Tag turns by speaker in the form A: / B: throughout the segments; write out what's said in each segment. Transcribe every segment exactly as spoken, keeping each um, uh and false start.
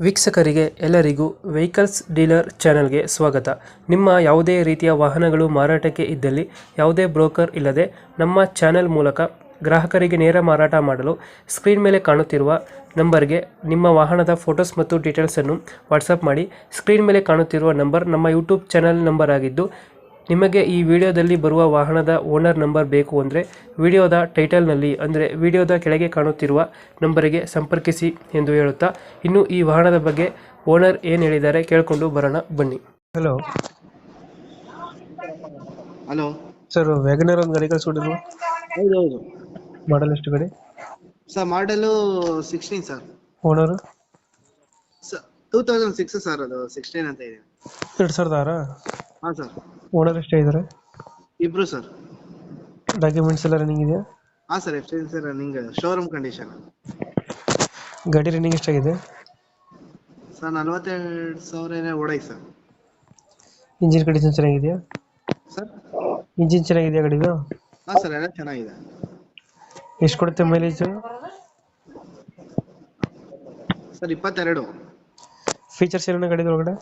A: ವೀಕ್ಷಕರಿಗೆ ಎಲ್ಲರಿಗೂ vehicles dealer ಚಾನೆಲ್ಗೆ ಸ್ವಾಗತ. ನಿಮ್ಮ ಯಾವುದೇ ರೀತಿಯ ವಾಹನಗಳು ಮಾರಾಟಕ್ಕೆ ಇದ್ದಲ್ಲಿ ಯಾವುದೇ ಬ್ರೋಕರ್ ಇಲ್ಲದೆ ನಮ್ಮ ಚಾನೆಲ್ ಮೂಲಕ ಗ್ರಾಹಕರಿಗೆ ನೇರ ಮಾರಾಟ ಮಾಡಲು ಸ್ಕ್ರೀನ್ ಮೇಲೆ ಕಾಣುತ್ತಿರುವ ನಂಬರ್ಗೆ ನಿಮ್ಮ ವಾಹನದ ಫೋಟೋಸ್ ಮತ್ತು ಡೀಟೇಲ್ಸನ್ನು ವಾಟ್ಸಪ್ ಮಾಡಿ. ಸ್ಕ್ರೀನ್ ಮೇಲೆ ಕಾಣುತ್ತಿರುವ ನಂಬರ್ ನಮ್ಮ ಯೂಟ್ಯೂಬ್ ಚಾನೆಲ್ ನಂಬರ್ ಆಗಿದ್ದು, ನಿಮಗೆ ಈ ವಿಡಿಯೋದಲ್ಲಿ ಬರುವ ವಾಹನದ ಓನರ್ ನಂಬರ್ ಬೇಕು ಅಂದರೆ ವಿಡಿಯೋದ ಟೈಟಲ್ನಲ್ಲಿ ಅಂದರೆ ವಿಡಿಯೋದ ಕೆಳಗೆ ಕಾಣುತ್ತಿರುವ ನಂಬರಿಗೆ ಸಂಪರ್ಕಿಸಿ ಎಂದು ಹೇಳುತ್ತಾ, ಇನ್ನು ಈ ವಾಹನದ ಬಗ್ಗೆ ಓನರ್ ಏನು ಹೇಳಿದ್ದಾರೆ ಕೇಳಿಕೊಂಡು ಬರೋಣ ಬನ್ನಿ. ಹಲೋ
B: ಹಲೋ
A: ಸರ್, ವ್ಯಾಗನರ್ ಒಂದು ಗಾಡಿ ಕಳಿಸ್ಕೊಟ್ಟಿದ್ರು,
B: ಹೌದು ಹೌದು
A: ಮಾಡಲ್ ಎಷ್ಟು ಗಾಡಿ?
B: ಸರ್ ಮಾಡಲು sixteen sir.
A: Owner
B: two thousand six sir, ಅದು ಸಿಕ್ಸ್ಟೀನ್ ಅಂತ ಇದೆ.
A: ಎರಡು ಸಾವಿರದ ಆರ
B: ಹಾಂ ಸರ್.
A: ಓನರ್ ಎಷ್ಟೇ ಇದ್ದಾರೆ?
B: ಇಬ್ರು ಸರ್.
A: ಡಾಕ್ಯುಮೆಂಟ್ಸ್ ಎಲ್ಲ ರನ್ನಿಂಗ್ ಇದೆಯಾ?
B: ಹಾಂ sir, F sir running, showroom condition.
A: ಗಾಡಿ ರನ್ನಿಂಗ್ ಎಷ್ಟಾಗಿದೆ?
B: ಸರ್ ನಲ್ವತ್ತೆರಡು ಸಾವಿರ ಏನೋ ಓಡಾಯ್ತು ಸರ್.
A: ಇಂಜಿನ್ ಕಂಡೀಷನ್ ಚೆನ್ನಾಗಿದೆಯಾ?
B: ಸರ್
A: ಇಂಜಿನ್ ಚೆನ್ನಾಗಿದೆಯಾ ಗಾಡಿದು?
B: ಹಾಂ ಸರ್, ಎಲ್ಲ ಚೆನ್ನಾಗಿದೆ.
A: ಎಷ್ಟು ಕೊಡುತ್ತೆ ಮೈಲೇಜ್?
B: ಸರ್ ಇಪ್ಪತ್ತೆರಡು.
A: ಫೀಚರ್ಸ್ ಏನೇನು ಗಾಡಿದ ಒಳಗಡೆ?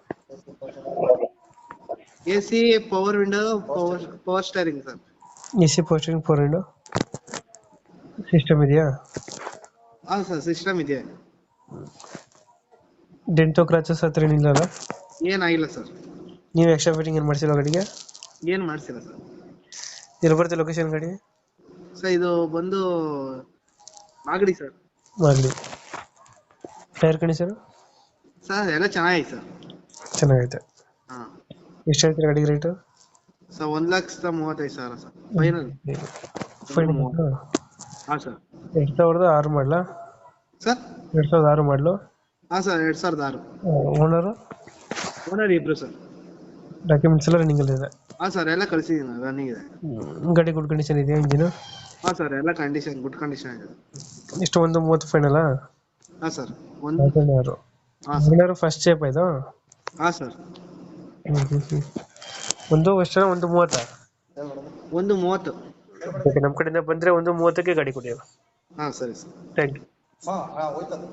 B: A C, power window, power power steering sir.
A: A C, posting, four window system ಇದೆಯಾ?
B: ಹಾಂ ಸರ್, ಸಿಸ್ಟಮ್ ಇದೆ.
A: ಡೆಂಟೋ ಕ್ರಾಚಸ್ ಹತ್ರ ಏನಿಲ್ಲ ಅಲ್ಲ?
B: ಏನಾಗಿಲ್ಲ ಸರ್.
A: ನೀವು ಎಕ್ಸ್ಟ್ರಾ ಫಿಟ್ಟಿಂಗ್ ಏನು ಮಾಡಿಸಿಲ್ಲ ಗಾಡಿಗೆ?
B: ಏನು ಮಾಡಿಸಿಲ್ಲ ಸರ್.
A: ಎಲ್ಲಿ ಬರುತ್ತೆ ಲೊಕೇಶನ್ ಗಾಡಿ?
B: ಸರ್ ಇದು ಬಂದು Magadi sir.
A: Magadi. Tyre condition?
B: Sir ಎಲ್ಲ ಚೆನ್ನಾಗಿದೆ ಸರ್.
A: ಚೆನ್ನಾಗೈತೆ.
B: ಹಾಂ.
A: ಎಷ್ಟು ಹೇಳ್ತೀರಾ ಗಾಡಿಗೆ ರೇಟು?
B: ಸರ್ ಒಂದು ಲಕ್ಷದ ಮೂವತ್ತೈದು ಸಾವಿರ ಸರ್, ಫೈನಲ್.
A: ಫೈನಲ್.
B: ಹಾಂ ಸರ್.
A: ಎರಡು ಸಾವಿರದ ಆರು ಮಾಡಲ?
B: ಸರ್
A: ಎರಡು ಸಾವಿರದ ಆರು ಮಾಡಲು?
B: ಹಾಂ ಸರ್, ಎರಡು ಸಾವಿರದ ಆರು.
A: ಓನರು?
B: ಓನರ್ ಇಬ್ರು ಸರ್.
A: ಡಾಕ್ಯುಮೆಂಟ್ಸ್ ಎಲ್ಲ ರನ್ನಿಂಗ್ ಇದೆ?
B: ಹಾಂ ಸರ್, ಎಲ್ಲ ಕಳಿಸಿದ್ದೀನಿ, ರನ್ನಿಂಗ್ ಇದೆ.
A: ಗಾಡಿ ಗುಡ್ ಕಂಡೀಷನ್ ಇದೆಯಾ ಇಂಜಿನು?
B: ಹಾಂ ಸರ್, ಎಲ್ಲ ಕಂಡೀಷನ್, ಗುಡ್ ಕಂಡೀಷನ್ ಇದೆ.
A: ಎಷ್ಟು ಒಂದು ಮೂವತ್ತು ಫೈನಲಾ?
B: ಹಾಂ ಸರ್. ಒಂದು
A: ಆರು.
B: ಹಾಂ ಸರ್.
A: ಫಸ್ಟ್ ಶೇಪ್ ಆಯ್ತು?
B: ಹಾಂ ಸರ್.
A: ಹ್ಞೂ ಹ್ಞೂ ಹ್ಞೂ ಒಂದು ಎಷ್ಟು? ಒಂದು ಮೂವತ್ತಾ?
B: ಒಂದು ಮೂವತ್ತು.
A: ಓಕೆ, ನಮ್ಮ ಕಡೆಯಿಂದ ಬಂದರೆ ಒಂದು ಮೂವತ್ತಕ್ಕೆ ಗಾಡಿ ಕೊಡಿ.
B: ಹಾಂ ಸರಿ ಸರ್.
A: Thank you.
B: ಹಾಂ ಹಾಂ ಹೋಯ್ತದೆ.